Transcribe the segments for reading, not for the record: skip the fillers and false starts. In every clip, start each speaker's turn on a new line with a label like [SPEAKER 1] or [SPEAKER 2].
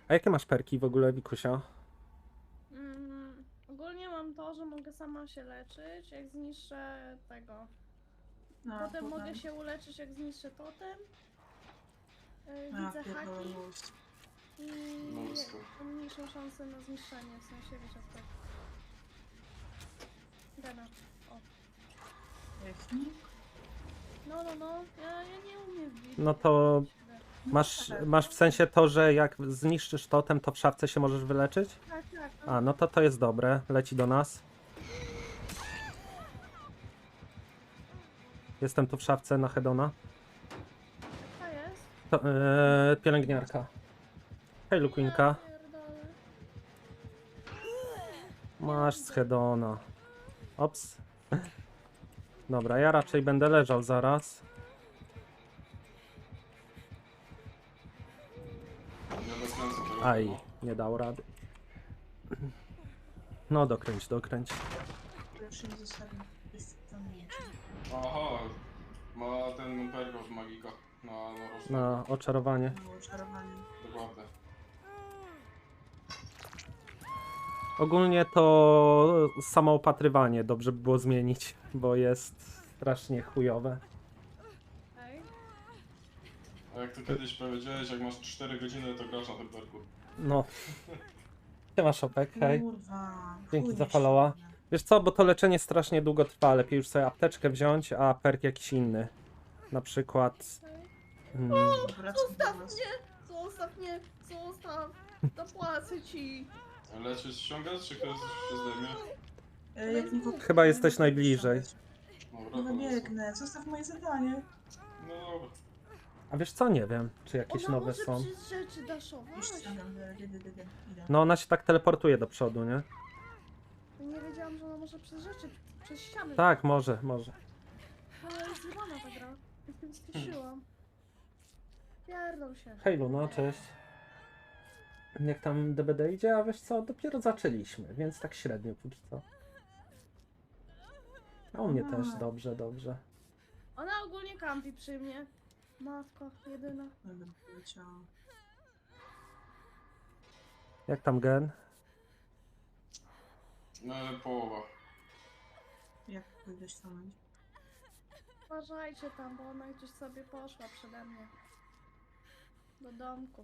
[SPEAKER 1] A jakie masz perki w ogóle, Wikusia?
[SPEAKER 2] Ogólnie mam to, że mogę sama się leczyć, jak zniszczę tego.
[SPEAKER 3] No,
[SPEAKER 2] Potem
[SPEAKER 3] potem.
[SPEAKER 2] mogę się uleczyć, jak zniszczę totem.
[SPEAKER 3] A,
[SPEAKER 2] Widzę
[SPEAKER 3] pierdolę,
[SPEAKER 2] haki
[SPEAKER 3] miłość.
[SPEAKER 2] i
[SPEAKER 4] Mnóstwo.
[SPEAKER 2] mam mniejszą szansę na zniszczenie, w sensie wiecie tak. Gana. O.
[SPEAKER 3] Technik?
[SPEAKER 2] No. Ja nie umiem wbić.
[SPEAKER 1] No to masz w sensie to, że jak zniszczysz totem, to w szafce się możesz wyleczyć?
[SPEAKER 2] Tak.
[SPEAKER 1] A, no to jest dobre. Leci do nas. Jestem tu w szafce na Hedona.
[SPEAKER 2] To jest.
[SPEAKER 1] To, pielęgniarka. Hej, Luquinka.
[SPEAKER 2] Ja pierdolę.
[SPEAKER 1] Masz z Hedona. Ops. Dobra, ja raczej będę leżał zaraz.
[SPEAKER 4] Ja dokręcę tego.
[SPEAKER 1] Aj, nie dał rady. No dokręć.
[SPEAKER 3] Już nie zostawię. Jest tam nie.
[SPEAKER 4] Aha, ma ten pergo w magika. Na rożną.
[SPEAKER 1] Na oczarowanie.
[SPEAKER 3] Było czarowanie.
[SPEAKER 4] Dokładnie.
[SPEAKER 1] Ogólnie to samoopatrywanie dobrze by było zmienić, bo jest strasznie chujowe.
[SPEAKER 2] Ej.
[SPEAKER 4] A jak ty kiedyś powiedziałeś, jak masz 4 godziny, to grasz na tym perku.
[SPEAKER 1] No. Siema Szopek, hej.
[SPEAKER 3] Kurwa.
[SPEAKER 1] Dzięki
[SPEAKER 3] chuj
[SPEAKER 1] za
[SPEAKER 3] mi
[SPEAKER 1] followa.
[SPEAKER 3] się.
[SPEAKER 1] Wiesz co, bo to leczenie strasznie długo trwa, lepiej już sobie apteczkę wziąć, a perk jakiś inny. Na przykład...
[SPEAKER 3] Wracam do
[SPEAKER 2] Zostaw
[SPEAKER 3] was.
[SPEAKER 2] mnie! Zostaw! Zapłacę ci!
[SPEAKER 4] Leczysz ściągasz, czy ktoś się zdejmie?
[SPEAKER 3] Jak nie
[SPEAKER 1] Chyba jesteś najbliżej.
[SPEAKER 4] Dobra,
[SPEAKER 3] Nie
[SPEAKER 4] to
[SPEAKER 3] biegnę. Zostaw moje zadanie.
[SPEAKER 4] No dobra.
[SPEAKER 1] A wiesz co, nie wiem, czy jakieś
[SPEAKER 2] Ona
[SPEAKER 1] nowe
[SPEAKER 2] może
[SPEAKER 1] są.
[SPEAKER 2] przez rzeczy daszować?
[SPEAKER 3] Już ściągam. Idę.
[SPEAKER 1] No ona się tak teleportuje do przodu, nie?
[SPEAKER 2] Nie wiedziałam, że ona może przez rzeczy, przez ściany.
[SPEAKER 1] Tak, może.
[SPEAKER 2] Ale jest zjebana ta gra. Jestem straszyłam. Pierdol się.
[SPEAKER 1] Hej Luna, cześć. Jak tam DBD idzie? A wiesz co, dopiero zaczęliśmy, więc tak średnio póki co. A u mnie też dobrze.
[SPEAKER 2] Ona ogólnie kampi przy mnie. Matko, jedyna.
[SPEAKER 3] Dobra, poleciałam.
[SPEAKER 1] Jak tam gen?
[SPEAKER 4] No, połowa.
[SPEAKER 3] Jak pójdę ściągnąć?
[SPEAKER 2] Uważajcie tam, bo ona gdzieś sobie poszła przede mnie. Do domku.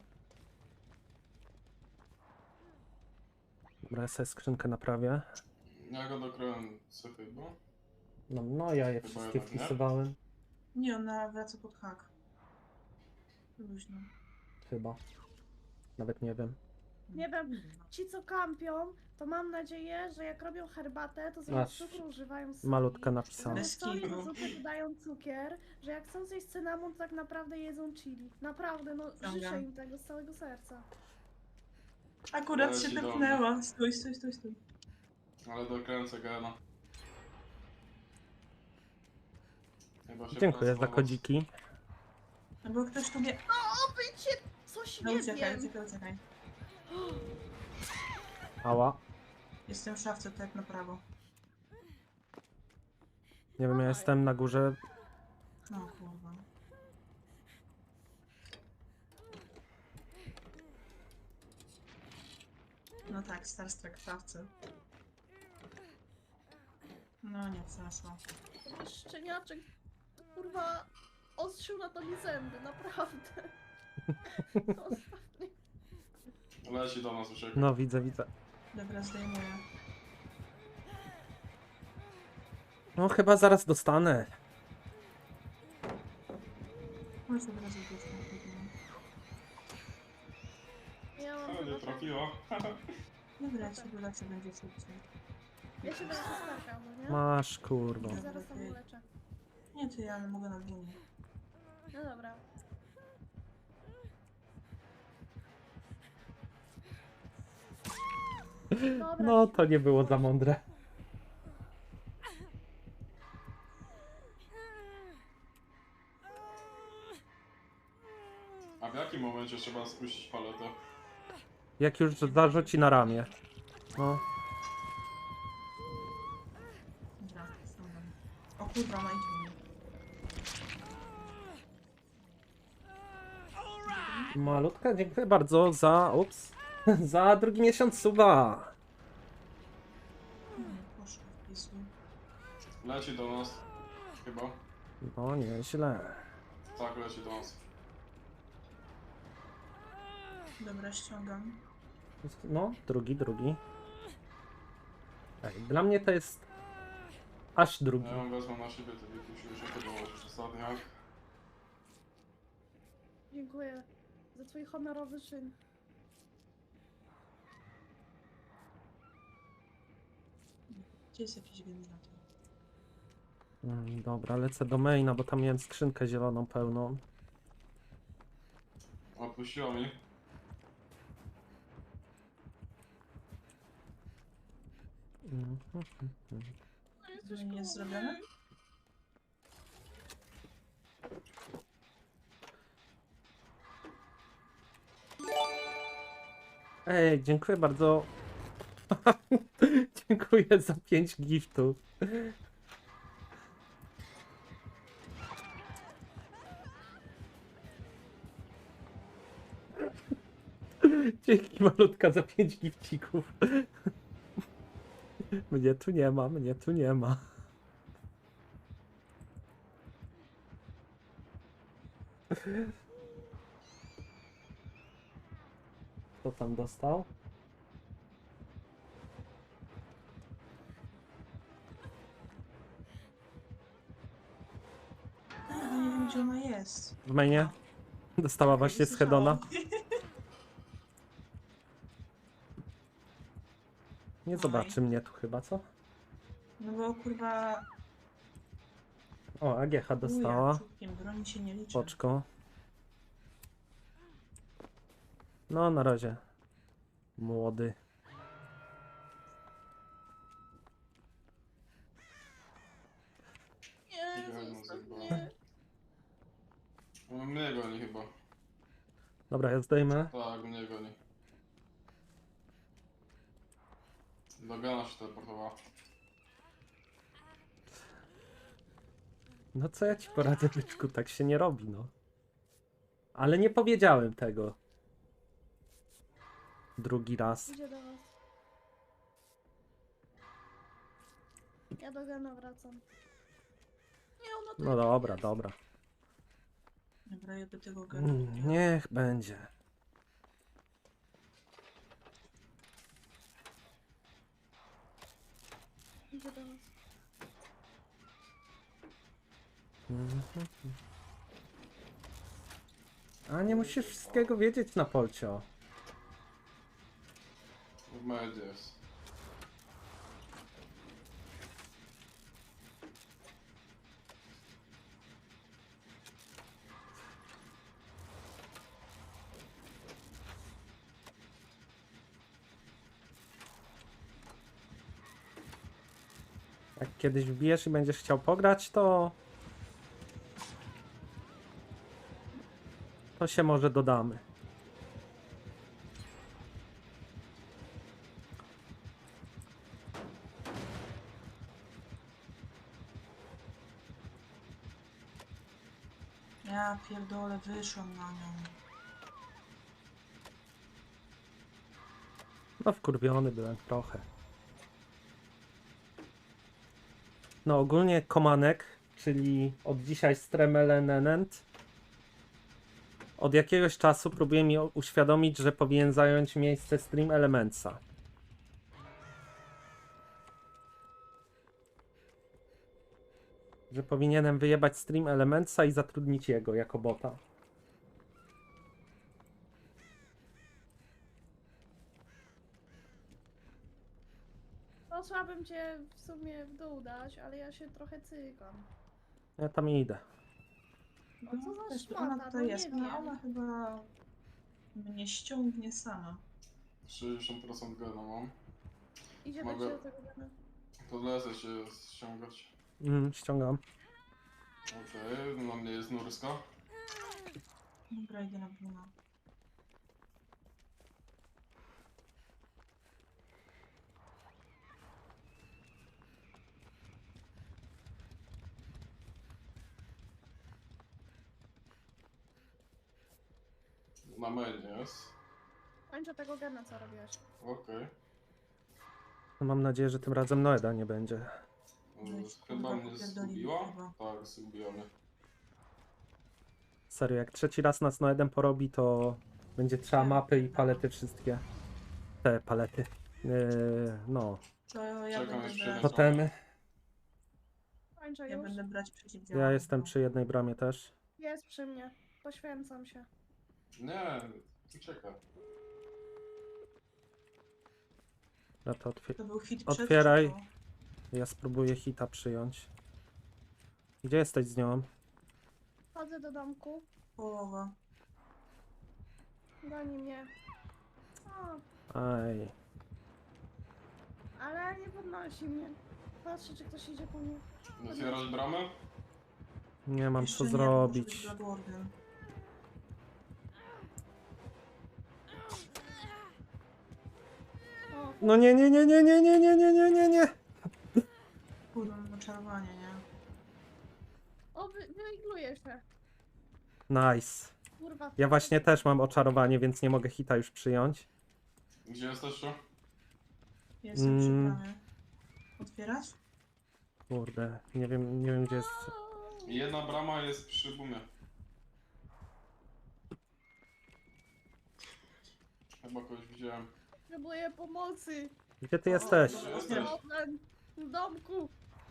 [SPEAKER 1] Dobra, ja sobie skrzynkę naprawię.
[SPEAKER 4] Ja go dokręcę chyba.
[SPEAKER 1] No ja je
[SPEAKER 4] Chyba
[SPEAKER 1] wszystkie
[SPEAKER 4] jednak nie.
[SPEAKER 1] wpisywałem.
[SPEAKER 3] Nie, ona wraca pod hak. Luźno.
[SPEAKER 1] Chyba. Nawet nie wiem.
[SPEAKER 2] Nie wiem, ci co kampią, to mam nadzieję, że jak robią herbatę, to
[SPEAKER 1] Masz
[SPEAKER 2] zamiast cukru używają soli.
[SPEAKER 1] Malutka napisane.
[SPEAKER 2] Zamiast soli
[SPEAKER 3] Bez
[SPEAKER 2] do
[SPEAKER 3] kitu.
[SPEAKER 2] zupy dodają cukier, że jak chcą zjeść cynamon, to tak naprawdę jedzą chili. Naprawdę, no życzę im tego z całego serca.
[SPEAKER 3] Akurat
[SPEAKER 4] Leci
[SPEAKER 3] się
[SPEAKER 4] do mnie.
[SPEAKER 3] tepnęła. Stój.
[SPEAKER 4] Ale dokręcę gena. Chyba się
[SPEAKER 1] Dziękuję za
[SPEAKER 4] pracowało.
[SPEAKER 1] kodziki.
[SPEAKER 3] No bo ktoś tu wie.
[SPEAKER 2] O, bycie! Coś
[SPEAKER 3] No
[SPEAKER 2] nie
[SPEAKER 3] uciekaj.
[SPEAKER 2] wiem!
[SPEAKER 1] Ała.
[SPEAKER 3] Jestem w szafce, tak na prawo.
[SPEAKER 1] Nie wiem, ja jestem na górze.
[SPEAKER 3] No kurwa. No tak, Starstruck w szafce. No nie wzrosło.
[SPEAKER 2] Ten szczeniaczek, kurwa, ostrzył na to mi zęby, naprawdę. Ostatni.
[SPEAKER 4] Leci do nas uciekł.
[SPEAKER 1] No widzę.
[SPEAKER 3] Dobra, zdejmuję.
[SPEAKER 1] No chyba zaraz dostanę.
[SPEAKER 3] Chodź od razu dziecko.
[SPEAKER 2] Ja mam
[SPEAKER 4] Ale nie
[SPEAKER 2] chyba...
[SPEAKER 4] trafiła.
[SPEAKER 3] Dobra, jak się wyleczy, będzie szybciej.
[SPEAKER 2] Ja się będę skarkał, no nie?
[SPEAKER 1] Masz kurwa.
[SPEAKER 2] Ja zaraz tam uleczę.
[SPEAKER 3] Nie ty, ale mogę na dłunie.
[SPEAKER 2] No dobra. Dobra.
[SPEAKER 1] No to nie było za mądre.
[SPEAKER 4] A w jakim momencie trzeba spuścić paletę?
[SPEAKER 1] Jak już zarzuci na ramię. No.
[SPEAKER 3] Dobra, ściągam. O kurwa, ma idzie mnie.
[SPEAKER 1] Malutka, dziękuję bardzo za... Ups. Za drugi miesiąc suba.
[SPEAKER 3] Nie, poszło wpisuj.
[SPEAKER 4] Leci do nas. Chyba.
[SPEAKER 1] No, nieźle.
[SPEAKER 4] Tak, leci do nas.
[SPEAKER 3] Dobra, ściągam.
[SPEAKER 1] No, drugi. Ej, dla mnie to jest... Aż drugi.
[SPEAKER 4] Ja ją wezmę na siebie, to musimy się podołać ostatniak.
[SPEAKER 2] Dziękuję za twój honorowy czyn.
[SPEAKER 3] Gdzie jest jakiś generator?
[SPEAKER 1] Dobra, lecę do maina, bo tam miałem skrzynkę zieloną pełną.
[SPEAKER 4] Odpuściła mi.
[SPEAKER 2] No, jesteś
[SPEAKER 3] Nie jest
[SPEAKER 2] koło
[SPEAKER 3] zrobione?
[SPEAKER 2] mnie.
[SPEAKER 1] Ej, dziękuję bardzo. Dziękuję za 5 giftów. Dzięki malutka za 5 gifcików. Mnie tu nie ma, mnie tu nie ma. Kto tam dostał?
[SPEAKER 3] Ja nie wiem, gdzie ona jest.
[SPEAKER 1] W mainie? Dostała właśnie z Hedona. Nie zobaczy mnie tu chyba, co?
[SPEAKER 3] No bo kurwa...
[SPEAKER 1] O, AGH dostała.
[SPEAKER 3] Uja, czubkiem broni się nie liczy.
[SPEAKER 1] Poczko. No, na razie. Młody.
[SPEAKER 2] Nie,
[SPEAKER 4] Idę,
[SPEAKER 2] zostaw
[SPEAKER 4] no,
[SPEAKER 2] mnie.
[SPEAKER 4] Mnie goni chyba.
[SPEAKER 1] Dobra, ja zdejmę.
[SPEAKER 4] Tak, mnie goni. Do Gana się teleportowała.
[SPEAKER 1] No co ja ci poradzę, byczku, tak się nie robi, no. Ale nie powiedziałem tego. Drugi raz.
[SPEAKER 2] Idzie do was. Ja do Gana wracam. Nie, ona tu
[SPEAKER 1] No dobra, dobra.
[SPEAKER 3] Dobra, ja do tego gana.
[SPEAKER 1] Niech będzie.
[SPEAKER 2] idzie do was.
[SPEAKER 1] A nie musisz wszystkiego wiedzieć na Polcio.
[SPEAKER 4] W medzie jest.
[SPEAKER 1] Jak kiedyś wbijesz i będziesz chciał pograć, to... To się może dodamy.
[SPEAKER 3] Ja pierdolę, wyszłam na nią.
[SPEAKER 1] No wkurwiony byłem trochę. No ogólnie Komanek, czyli od dzisiaj Stremelenenent, od jakiegoś czasu próbuje mi uświadomić, że powinien zająć miejsce Stream Elementsa. Że powinienem wyjebać Stream Elementsa i zatrudnić jego jako bota.
[SPEAKER 2] Posłabym cię w sumie w dół dać, ale ja się trochę cykam.
[SPEAKER 1] Ja tam idę.
[SPEAKER 2] O, co za
[SPEAKER 3] Też
[SPEAKER 2] szmata,
[SPEAKER 3] ona
[SPEAKER 2] no
[SPEAKER 3] tutaj jest,
[SPEAKER 2] nie
[SPEAKER 3] ale ona
[SPEAKER 2] wiem.
[SPEAKER 3] chyba mnie ściągnie sama.
[SPEAKER 4] 60% Gana mam.
[SPEAKER 2] Idzie
[SPEAKER 4] Mogę-
[SPEAKER 2] do ciebie tego Gana.
[SPEAKER 4] To lecę się ściągać.
[SPEAKER 1] Ściągam.
[SPEAKER 4] Okej, na mnie jest Nurska.
[SPEAKER 3] Dobra, idę na Bruna.
[SPEAKER 4] Na mainie jest.
[SPEAKER 2] Kończę tego gena, co robiłeś.
[SPEAKER 4] Okej.
[SPEAKER 1] No, mam nadzieję, że tym razem Noeda nie będzie.
[SPEAKER 4] Chyba mnie
[SPEAKER 3] popierdolili
[SPEAKER 4] zgubiła?
[SPEAKER 3] chyba.
[SPEAKER 4] Tak, zgubiła mnie.
[SPEAKER 1] Serio, jak trzeci raz nas Noedem porobi, to będzie trzeba
[SPEAKER 3] Tak,
[SPEAKER 1] mapy i
[SPEAKER 3] tak.
[SPEAKER 1] palety wszystkie. Te palety. No,
[SPEAKER 3] To ja
[SPEAKER 4] Czekam,
[SPEAKER 3] będę
[SPEAKER 4] aż
[SPEAKER 3] brać,
[SPEAKER 4] przyjdę.
[SPEAKER 1] totemy.
[SPEAKER 2] Kończę
[SPEAKER 3] ja
[SPEAKER 2] już.
[SPEAKER 3] będę brać przeciwdziałanie.
[SPEAKER 1] Ja jestem przy jednej bramie też.
[SPEAKER 2] Jest przy mnie. Poświęcam się.
[SPEAKER 4] Nie, ucieka.
[SPEAKER 1] Ja to
[SPEAKER 3] To był hit przed
[SPEAKER 1] Otwieraj.
[SPEAKER 3] czy po?
[SPEAKER 1] Ja spróbuję hita przyjąć. Gdzie jesteś z nią?
[SPEAKER 2] Chodzę do domku.
[SPEAKER 3] Połowa.
[SPEAKER 2] Goni mnie. O,
[SPEAKER 1] Aj.
[SPEAKER 2] ale nie podnosi mnie. Patrzę, czy ktoś idzie po mnie.
[SPEAKER 4] Otwierać bramę?
[SPEAKER 1] Nie mam
[SPEAKER 3] Jeszcze
[SPEAKER 1] co
[SPEAKER 3] nie,
[SPEAKER 1] zrobić.
[SPEAKER 3] może być Bloodwarden.
[SPEAKER 2] O,
[SPEAKER 1] No nie, nie, nie, nie, nie, nie, nie, nie, nie, nie, nie.
[SPEAKER 3] Kurwa, mam oczarowanie, nie?
[SPEAKER 2] o wyigluję się.
[SPEAKER 1] Nice.
[SPEAKER 2] Kurwa.
[SPEAKER 1] Ja właśnie też mam oczarowanie, więc nie mogę hita już przyjąć.
[SPEAKER 4] Gdzie jesteście?
[SPEAKER 3] Jestem przy bramie. Otwierać?
[SPEAKER 1] Kurde, nie wiem gdzie jest.
[SPEAKER 4] Jedna brama jest przy bumie. Chyba kogoś widziałem.
[SPEAKER 2] Potrzebuję pomocy.
[SPEAKER 1] Gdzie ty jesteś?
[SPEAKER 4] Gdzie jesteś?
[SPEAKER 2] Problem w domku.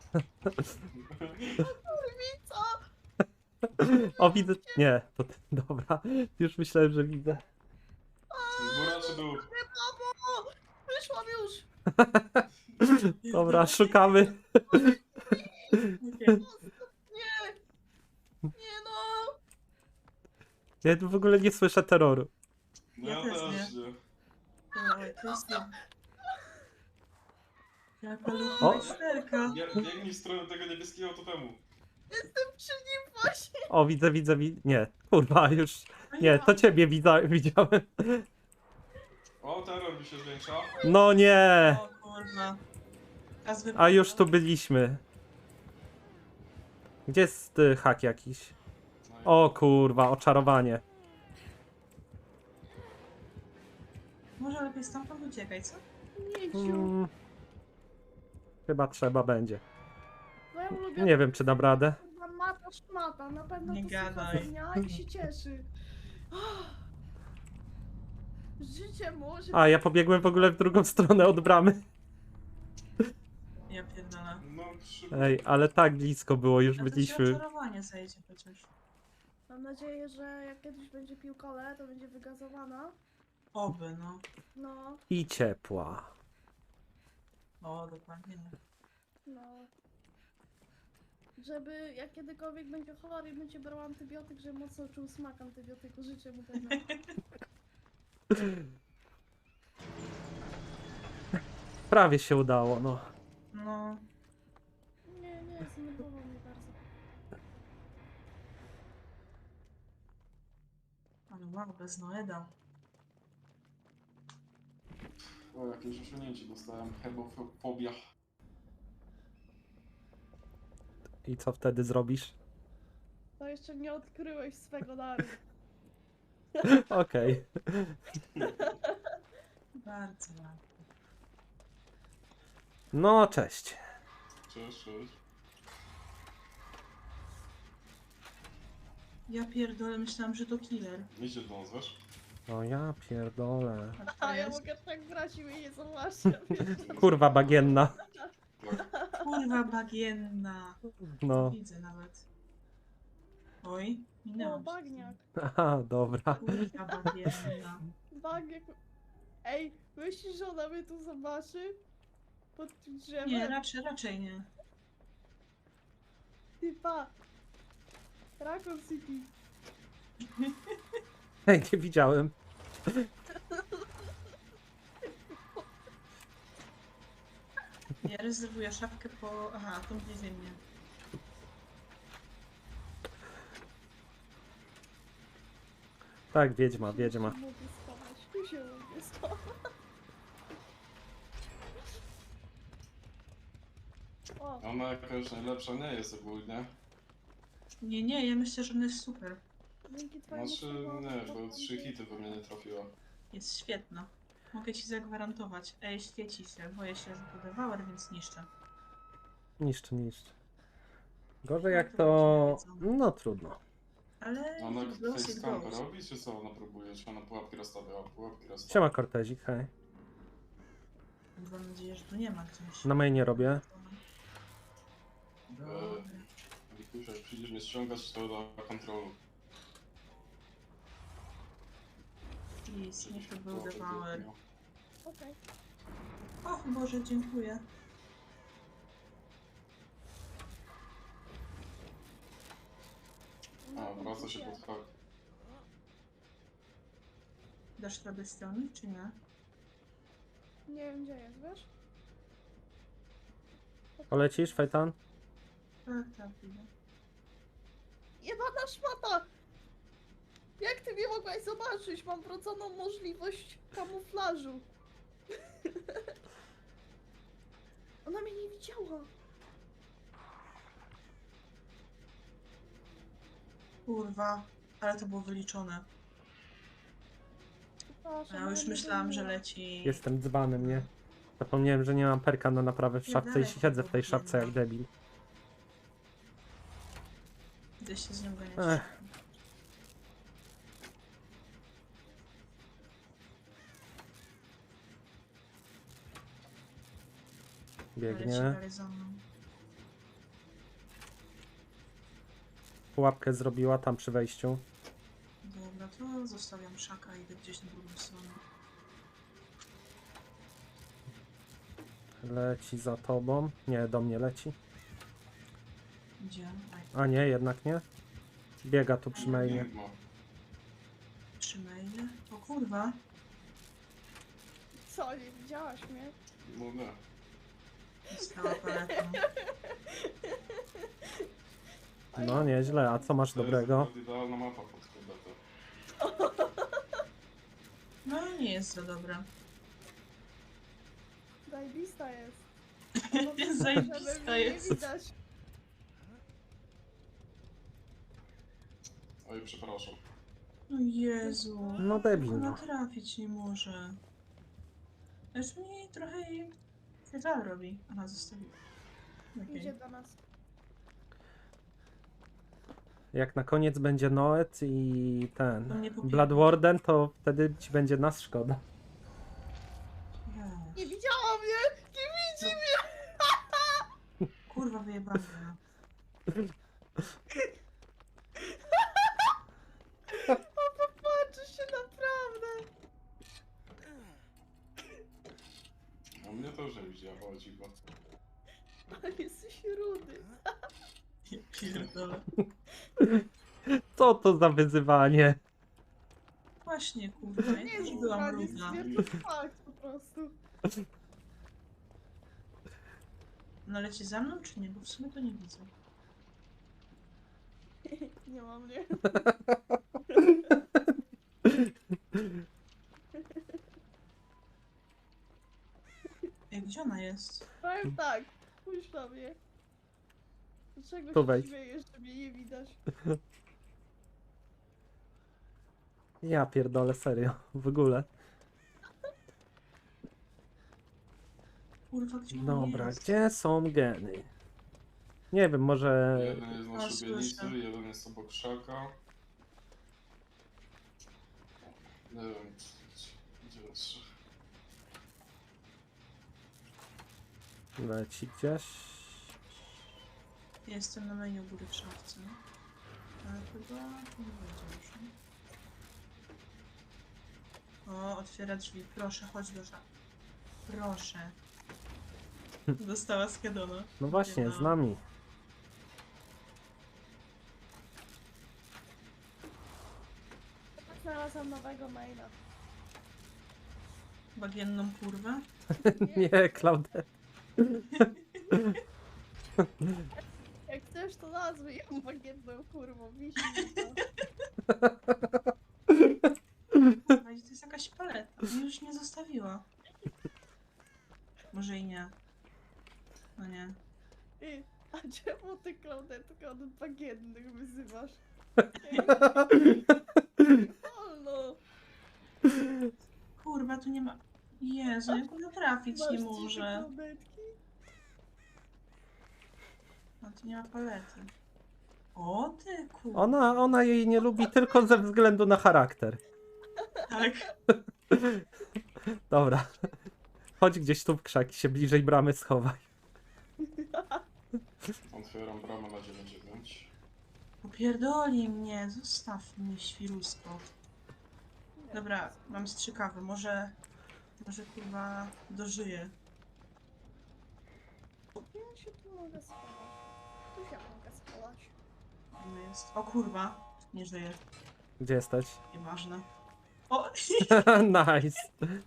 [SPEAKER 2] Co?
[SPEAKER 1] O, widzę. Nie, to ty. Dobra. Już myślałem, że widzę.
[SPEAKER 4] Góra czy dół?
[SPEAKER 2] Mamo! Wyszłam już!
[SPEAKER 1] Dobra, szukamy.
[SPEAKER 3] Nie.
[SPEAKER 2] Nie! Nie no!
[SPEAKER 1] Ja tu w ogóle nie słyszę terroru.
[SPEAKER 4] No
[SPEAKER 3] Ja
[SPEAKER 4] ja
[SPEAKER 3] też
[SPEAKER 4] też nie.
[SPEAKER 3] Dobra, to jest to. Jaka
[SPEAKER 1] O!
[SPEAKER 3] lucha szterka.
[SPEAKER 4] Biegnij w stronę tego niebieskiego totemu.
[SPEAKER 2] Jestem przy nim właśnie!
[SPEAKER 1] O, widzę. Nie, kurwa, już. Nie, to ciebie widziałem.
[SPEAKER 4] O, terror mi się zwiększa.
[SPEAKER 1] No nie!
[SPEAKER 3] O kurwa.
[SPEAKER 1] A już tu byliśmy. Gdzie jest hak jakiś?
[SPEAKER 4] No i-
[SPEAKER 1] O kurwa, oczarowanie.
[SPEAKER 3] Może lepiej stamtąd uciekaj, co?
[SPEAKER 2] Miciu.
[SPEAKER 1] Mm, chyba trzeba będzie.
[SPEAKER 2] Moja ulubiona
[SPEAKER 1] Nie wiem, czy dam radę.
[SPEAKER 2] kurwa mata szmata. Na pewno
[SPEAKER 3] Nie
[SPEAKER 2] to słucha
[SPEAKER 3] gadaj.
[SPEAKER 2] ze dnia i się cieszy. Życie może...
[SPEAKER 1] A, ja pobiegłem w ogóle w drugą stronę od bramy.
[SPEAKER 3] Ja pierdolę.
[SPEAKER 4] No, przy...
[SPEAKER 1] Ej, ale tak blisko było, już
[SPEAKER 3] A to ci
[SPEAKER 1] byliśmy.
[SPEAKER 3] oczarowanie zejdzie przecież.
[SPEAKER 2] Mam nadzieję, że jak kiedyś będzie pił kole, to będzie wygazowana.
[SPEAKER 3] Oby, no.
[SPEAKER 2] No,
[SPEAKER 1] I ciepła.
[SPEAKER 3] O, dokładnie nie.
[SPEAKER 2] no. Żeby jak kiedykolwiek będzie chory i będzie brał antybiotyk, żeby mocno czuł smak antybiotyku. Życzę mu tego.
[SPEAKER 1] Prawie się udało, no.
[SPEAKER 3] No.
[SPEAKER 2] Nie, zdenerwował mnie bardzo.
[SPEAKER 3] Ale wow, bez Noeda.
[SPEAKER 4] O, jakieś osiągnięcie dostałem. Hebofobia.
[SPEAKER 1] I co wtedy zrobisz?
[SPEAKER 2] To jeszcze nie odkryłeś swego daru.
[SPEAKER 1] Okej.
[SPEAKER 3] Bardzo ładnie.
[SPEAKER 1] No, cześć.
[SPEAKER 4] Cześć, cześć.
[SPEAKER 3] Ja pierdolę, myślałam, że to killer.
[SPEAKER 4] Idzie do nas, wiesz?
[SPEAKER 1] No ja pierdolę.
[SPEAKER 3] A to
[SPEAKER 2] A ja
[SPEAKER 3] jest?
[SPEAKER 2] mogę tak brać i mnie nie zobaczcie.
[SPEAKER 1] Kurwa bagienna.
[SPEAKER 4] Tak.
[SPEAKER 3] Kurwa bagienna.
[SPEAKER 1] No.
[SPEAKER 3] Widzę nawet. Oj,
[SPEAKER 2] O,
[SPEAKER 3] minęłam. się.
[SPEAKER 2] bagniak.
[SPEAKER 1] Aha, dobra.
[SPEAKER 3] Kurwa bagienna.
[SPEAKER 2] Bagniak. Ej, myślisz, że ona mnie tu zobaczy? Pod tym drzewem?
[SPEAKER 3] Nie, raczej nie.
[SPEAKER 2] Typa. Raccoon City.
[SPEAKER 1] Ej, nie widziałem.
[SPEAKER 3] Ja rezerwuję szafkę po... Aha, tą widzę mnie.
[SPEAKER 1] Tak, wiedźma.
[SPEAKER 2] Tu się mogę schować, tu się mogę schować. O,
[SPEAKER 4] Ona jakaś najlepsza nie jest ogólnie.
[SPEAKER 3] Nie, ja myślę, że ona jest super.
[SPEAKER 2] Dzięki twojemu
[SPEAKER 4] Znaczy, nie, bo 3 hity we mnie nie trafiła.
[SPEAKER 3] Jest świetna. Mogę ci zagwarantować. Ej, świeci się. Boję się, że to devour, więc niszczę.
[SPEAKER 1] Niszczy. Gorzej
[SPEAKER 3] No
[SPEAKER 1] jak
[SPEAKER 3] to
[SPEAKER 1] to...
[SPEAKER 3] będzie wiedzone.
[SPEAKER 1] No trudno.
[SPEAKER 3] Ale
[SPEAKER 4] A ona
[SPEAKER 3] it goes, it
[SPEAKER 4] facecampę
[SPEAKER 3] goes.
[SPEAKER 4] robi, czy co ona próbuje? Czy ona pułapki rozstawiała? Pułapki rozstawia.
[SPEAKER 1] Siema Cortezik, hej.
[SPEAKER 3] Mam nadzieję, że tu nie ma gdzieś.
[SPEAKER 1] Na mainie robię.
[SPEAKER 3] Dobra.
[SPEAKER 4] Wikusia, jak przyjdziesz mnie ściągać, to do kontrolu.
[SPEAKER 3] Please, niech to był
[SPEAKER 4] Pułapek
[SPEAKER 3] devour.
[SPEAKER 4] nie miał.
[SPEAKER 2] Okej.
[SPEAKER 3] O Boże, dziękuję.
[SPEAKER 4] A, wraca się pod hak.
[SPEAKER 3] Dasz radę strony, czy nie?
[SPEAKER 2] Nie wiem gdzie jest, wiesz?
[SPEAKER 1] Polecisz, Fajtan?
[SPEAKER 3] Tak, widzę.
[SPEAKER 2] Jebana szmata! Jak ty mnie mogłaś zobaczyć? Mam wrodzoną możliwość kamuflażu. Ona mnie nie widziała.
[SPEAKER 3] Kurwa, ale to było wyliczone.
[SPEAKER 2] Przepraszam,
[SPEAKER 3] Ja
[SPEAKER 2] ale
[SPEAKER 3] już
[SPEAKER 2] nie
[SPEAKER 3] myślałam, że
[SPEAKER 2] było.
[SPEAKER 3] leci...
[SPEAKER 1] Jestem dzbanem, nie? Zapomniałem, że nie mam perka na naprawę w szafce i siedzę w tej szafce jak debil.
[SPEAKER 3] Idę się z nią ganiać.
[SPEAKER 1] Ech.
[SPEAKER 3] Leci
[SPEAKER 1] Biegnie.
[SPEAKER 3] dalej za mną.
[SPEAKER 1] Pułapkę zrobiła tam przy wejściu.
[SPEAKER 3] Dobra, to zostawiam szaka i idę gdzieś na drugą stronę.
[SPEAKER 1] Leci za tobą. Nie, do mnie leci.
[SPEAKER 3] Gdzie? Aj,
[SPEAKER 1] A nie, jednak nie. Biega tu przy mainie.
[SPEAKER 4] Piękno.
[SPEAKER 3] przy maile. O kurwa.
[SPEAKER 2] Co, nie widziałaś mnie?
[SPEAKER 4] No nie.
[SPEAKER 3] Stała paletą.
[SPEAKER 1] No nieźle, a co masz
[SPEAKER 4] To
[SPEAKER 1] dobrego?
[SPEAKER 4] jest akurat idealna mapa pod kobietę.
[SPEAKER 3] No nie jest za dobra.
[SPEAKER 2] Zajebista jest.
[SPEAKER 3] Zajebista
[SPEAKER 2] Żeby mnie
[SPEAKER 3] jest.
[SPEAKER 2] nie widać.
[SPEAKER 4] Oj, przepraszam.
[SPEAKER 3] O Jezu.
[SPEAKER 1] No debil,
[SPEAKER 3] Ona
[SPEAKER 1] no.
[SPEAKER 3] trafić nie może. Aż mi trochę jej żal robi. Aha, zostawiła.
[SPEAKER 2] Idzie
[SPEAKER 3] Okej.
[SPEAKER 2] do nas.
[SPEAKER 1] Jak na koniec będzie Noet i
[SPEAKER 3] To
[SPEAKER 1] ten
[SPEAKER 3] mnie pobiegnie.
[SPEAKER 1] Bloodwarden, to wtedy ci będzie nas szkoda.
[SPEAKER 3] Yes.
[SPEAKER 2] Nie widziała mnie! Nie widzi mnie!
[SPEAKER 3] Kurwa wyjebana.
[SPEAKER 2] O, popatrzy się naprawdę!
[SPEAKER 4] A mnie to już nie widziała, o dziwo.
[SPEAKER 2] Ale jesteś rudy.
[SPEAKER 3] Ja pierdolę.
[SPEAKER 1] Co to za wyzywanie?
[SPEAKER 3] Właśnie kurwa, ja
[SPEAKER 2] Nie
[SPEAKER 3] też
[SPEAKER 2] jest
[SPEAKER 3] byłam
[SPEAKER 2] zdradzie,
[SPEAKER 3] równa.
[SPEAKER 2] stwierdzam fakt po prostu.
[SPEAKER 3] No leci za mną czy nie? Bo w sumie to nie widzę.
[SPEAKER 2] Nie ma mnie.
[SPEAKER 3] Ej, gdzie ona jest?
[SPEAKER 2] Powiem tak, spójrz na mnie. Dlaczego
[SPEAKER 1] Tu
[SPEAKER 2] się
[SPEAKER 1] wejdź.
[SPEAKER 2] śmiejesz, że mnie nie widać?
[SPEAKER 1] Ja pierdolę, serio, w ogóle.
[SPEAKER 3] Kurwa, gdzie ona
[SPEAKER 1] Dobra,
[SPEAKER 3] jest?
[SPEAKER 1] gdzie są geny? Nie wiem, może...
[SPEAKER 4] Jeden jest na
[SPEAKER 3] A,
[SPEAKER 4] szubienicy,
[SPEAKER 3] słyszę.
[SPEAKER 4] jeden jest obok krzaka. Nie wiem, gdzie jest.
[SPEAKER 1] Leci gdzieś.
[SPEAKER 3] Jestem na mainie u góry w szafce. Ale chyba nie będzie już. nie? O, otwiera drzwi. Proszę, chodź do szafy. Proszę. Dostała z Kedona.
[SPEAKER 1] No właśnie, z nami.
[SPEAKER 2] Znalazłam nowego maila.
[SPEAKER 3] Bagienną kurwę.
[SPEAKER 1] Nie, Klaudet.
[SPEAKER 2] Jak chcesz, to nazwij ją bagietną kurwą. Wisi mi to.
[SPEAKER 3] Kurwa, i to jest jakaś paleta. Mnie już nie zostawiła. Może i nie. No nie.
[SPEAKER 2] A czemu ty Klaudetkę od bagiennych wyzywasz? Halo.
[SPEAKER 3] Kurwa, tu nie ma... Jezu, jak go trafić nie może. No tu nie ma palety. O ty kurwa.
[SPEAKER 1] Ona jej nie lubi tylko ze względu na charakter.
[SPEAKER 3] Tak.
[SPEAKER 1] Dobra. Chodź gdzieś tu w krzaki, się bliżej bramy schowaj.
[SPEAKER 4] Otwieram bramę na 9-9.
[SPEAKER 3] Popierdoli mnie, zostaw mnie, świrusko. Dobra, mam strzykawy, może kurwa dożyję.
[SPEAKER 2] Ja się tu mogę schować. Tu się mogę schować.
[SPEAKER 3] No jest. O kurwa, nie żyję,
[SPEAKER 1] Gdzie jesteś?
[SPEAKER 3] nieważne. O!
[SPEAKER 1] Nice.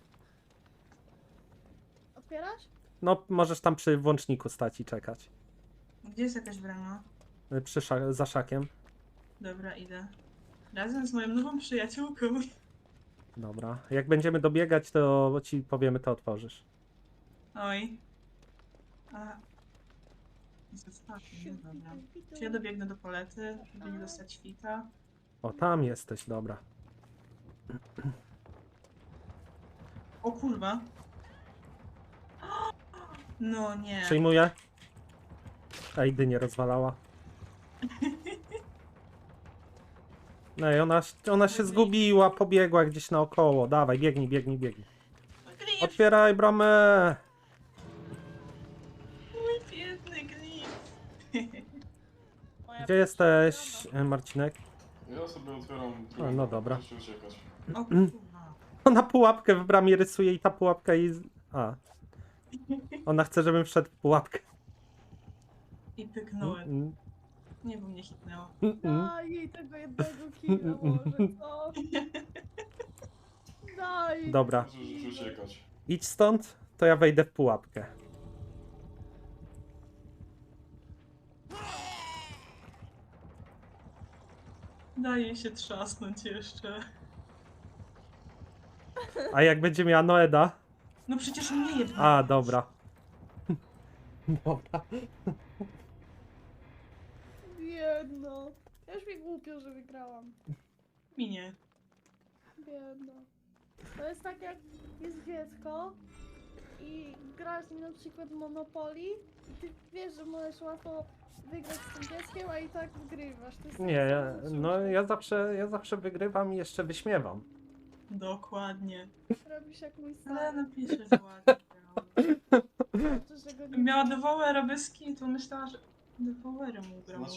[SPEAKER 2] Otwierasz?
[SPEAKER 1] No, możesz tam przy włączniku stać i czekać.
[SPEAKER 3] Gdzie jest jakaś brama?
[SPEAKER 1] Za szakiem.
[SPEAKER 3] Dobra, idę. Razem z moją nową przyjaciółką.
[SPEAKER 1] Dobra. Jak będziemy dobiegać, to ci powiemy, to otworzysz.
[SPEAKER 3] Oj. A. Zostawię, dobra. Czy ja dobiegnę do palety, żeby nie dostać świta?
[SPEAKER 1] O, tam jesteś, dobra.
[SPEAKER 3] O kurwa. No nie.
[SPEAKER 1] Przyjmuję. Ej, dynię rozwalała. No i ona się zgubiła, pobiegła gdzieś naokoło. Dawaj, biegnij.
[SPEAKER 3] Glif!
[SPEAKER 1] Otwieraj bramę!
[SPEAKER 3] Mój biedny glif!
[SPEAKER 2] Moja
[SPEAKER 1] Gdzie jesteś, Marcinek?
[SPEAKER 4] Ja sobie otwieram
[SPEAKER 1] A,
[SPEAKER 4] drugą.
[SPEAKER 1] no dobra.
[SPEAKER 4] Muszę uciekać.
[SPEAKER 3] O kurwa.
[SPEAKER 1] Ona pułapkę w bramie rysuje i ta pułapka jej... A. Ona chce, żebym wszedł w pułapkę.
[SPEAKER 3] I pyknąłem.
[SPEAKER 1] Mm,
[SPEAKER 3] Nie, bo mnie hitnęło.
[SPEAKER 2] Daj jej tego jednego killa może, co? Daj.
[SPEAKER 1] Dobra.
[SPEAKER 4] Muszę uciekać.
[SPEAKER 1] Idź stąd, to ja wejdę w pułapkę.
[SPEAKER 3] Daje się trzasnąć jeszcze.
[SPEAKER 1] A jak będzie miała Noeda?
[SPEAKER 3] No przecież mnie jedno.
[SPEAKER 1] A, dobra. Dobra.
[SPEAKER 2] Biedno. Już mi głupio, że wygrałam.
[SPEAKER 3] Minie.
[SPEAKER 2] Biedno. To jest tak jak jest dziecko i grasz z nim na przykład Monopoly i ty wiesz, że możesz łatwo wygrać z tym dzieckiem, a i tak wygrywasz. To jest
[SPEAKER 1] Nie, ja zawsze wygrywam i jeszcze wyśmiewam.
[SPEAKER 3] Dokładnie.
[SPEAKER 2] Robisz jak mój
[SPEAKER 3] Ale
[SPEAKER 2] stary.
[SPEAKER 3] napiszę, że ładnie grała.
[SPEAKER 2] Znaczy, że go nie
[SPEAKER 3] Jak miała dewoły arabeski, to myślała, że dewowery mu grał.